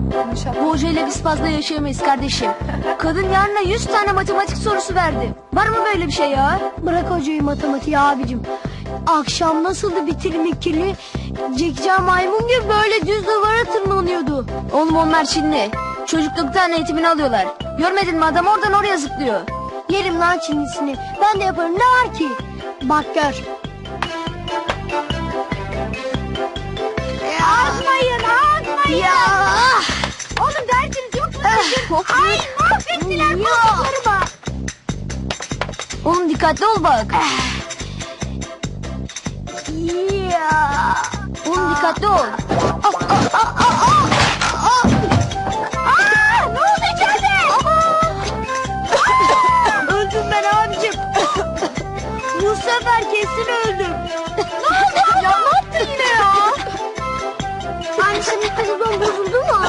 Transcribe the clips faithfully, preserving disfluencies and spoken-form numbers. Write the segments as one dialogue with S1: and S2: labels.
S1: Bu hocayla biz fazla yaşayamayız kardeşim. Kadın yarına yüz tane matematik sorusu verdi. Var mı böyle bir şey ya?
S2: Bırak hocayı matematiği abicim. Akşam nasıldı bitirim ikili? Zekca maymun gibi böyle düz duvara tırmanıyordu.
S1: Oğlum onlar Çinli. Çocukluktan eğitimini alıyorlar. Görmedin mi adam oradan oraya zıplıyor.
S2: Yerim lan Çinlisini. Ben de yaparım, ne var ki? Bak gör. Atmayın, atmayın.
S1: Ya.
S2: Oğlum dersiniz yok mu? Ay mahvettiler koltuklarıma.
S1: Oğlum dikkatli ol bak.
S2: Ya.
S1: Oğlum dikkatli ol.
S2: Aa, ne oldu içeride? Öldüm ben abicim. Bu sefer kesin öldüm. Ne oldu? Ya ne yaptın yine ya? Anne senin televizyon bozuldu mu?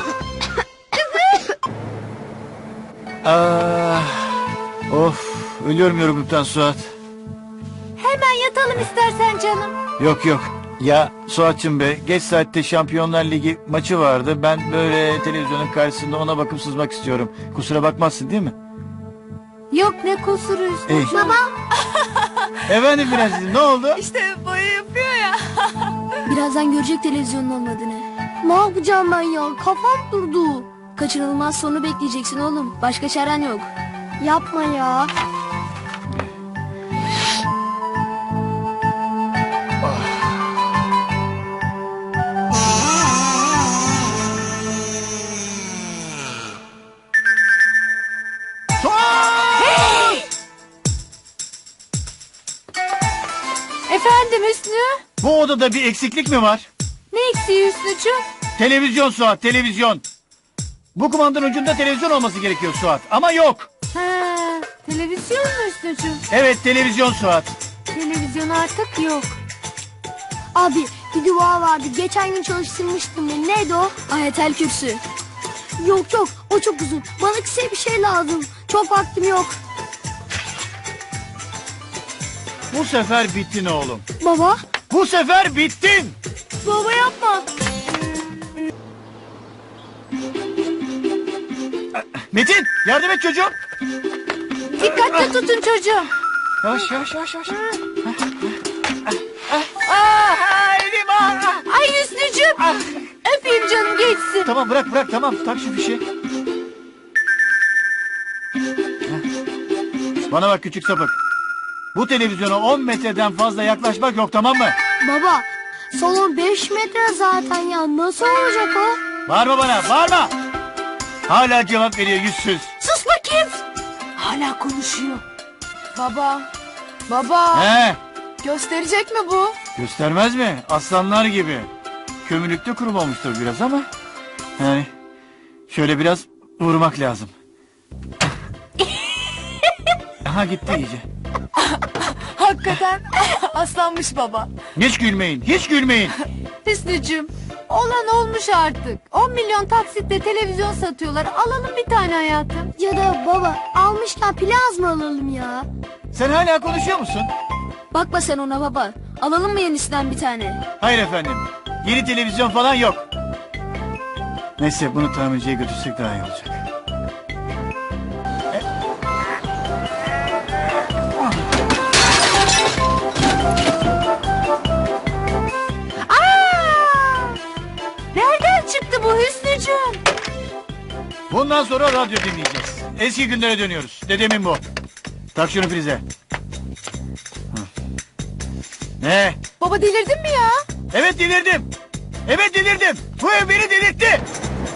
S3: Ah, of, ölüyorum yorgunluktan Suat.
S2: Hemen yatalım istersen canım.
S3: Yok yok. Ya Suat'cığım be, geç saatte Şampiyonlar Ligi maçı vardı. Ben böyle televizyonun karşısında ona bakıp sızmak istiyorum. Kusura bakmazsın değil mi?
S2: Yok ne kusuru
S3: İyi.
S2: Baba.
S3: Efendim Prenses'im, ne oldu?
S4: İşte boya yapıyor ya.
S1: Birazdan görecek televizyonun olmadığını.
S2: Ne yapacağım ben ya? Kafam durdu.
S1: Kaçınılmaz sonu bekleyeceksin oğlum. Başka çaren yok.
S2: Yapma ya.
S4: Efendim Hüsnü?
S3: Bu odada bir eksiklik mi var?
S4: Ne eksiği Hüsnücüğüm?
S3: Televizyon Suat, televizyon. Bu kumandanın ucunda televizyon olması gerekiyor Suat. Ama yok.
S4: Ha, televizyon mu Hüsnücüğüm?
S3: Evet, televizyon Suat.
S4: Televizyon artık yok.
S2: Abi bir dua vardı. Geçen gün çalıştırmıştım ben. Neydi o?
S1: Ayetel Kürsü.
S2: Yok yok o çok uzun. Bana kısa bir şey lazım. Çok vaktim yok.
S3: Bu sefer bittin oğlum.
S2: Baba.
S3: Bu sefer bittin.
S2: Baba yapma.
S3: Metin, yardım et çocuğum.
S4: Dikkatli tutun çocuğum.
S3: Yavaş yavaş yavaş yavaş. Ah, elim ah.
S4: Ay Hüsnücüğüm. Öpeyim canım geçsin.
S3: Tamam bırak bırak tamam, tak şu fişi. Bana bak küçük sapık. Bu televizyona on metreden fazla yaklaşmak yok, tamam mı?
S2: Baba salon beş metre zaten ya. Nasıl olacak o?
S3: Bağırma bana, bağırma. Hala cevap veriyor yüzsüz.
S2: Sus bakayım.
S4: Hala konuşuyor. Baba. Baba.
S3: He,
S4: Gösterecek mi bu?
S3: göstermez mi? Aslanlar gibi. Kömürlükte kurum olmuştur biraz ama. Yani şöyle biraz vurmak lazım. Aha gitti iyice.
S4: Hakikaten aslanmış baba.
S3: Hiç gülmeyin, hiç gülmeyin.
S4: Hüsnücüğüm. Olan olmuş artık. on milyon taksitle televizyon satıyorlar. Alalım bir tane hayatım.
S2: Ya da baba almışken plazma alalım ya.
S3: Sen hala konuşuyor musun?
S1: Bakma sen ona baba. Alalım mı yenisinden bir tane?
S3: Hayır efendim. Yeni televizyon falan yok. Neyse bunu tamirciye götürsek daha iyi olacak.
S4: Nereden çıktı bu Hüsnücüğüm?
S3: Bundan sonra radyo dinleyeceğiz. Eski günlere dönüyoruz. Dedemin bu. Tak şunu prize. Hı. Ne?
S4: Baba delirdin mi ya?
S3: Evet delirdim. Evet delirdim. Bu ev beni delirtti.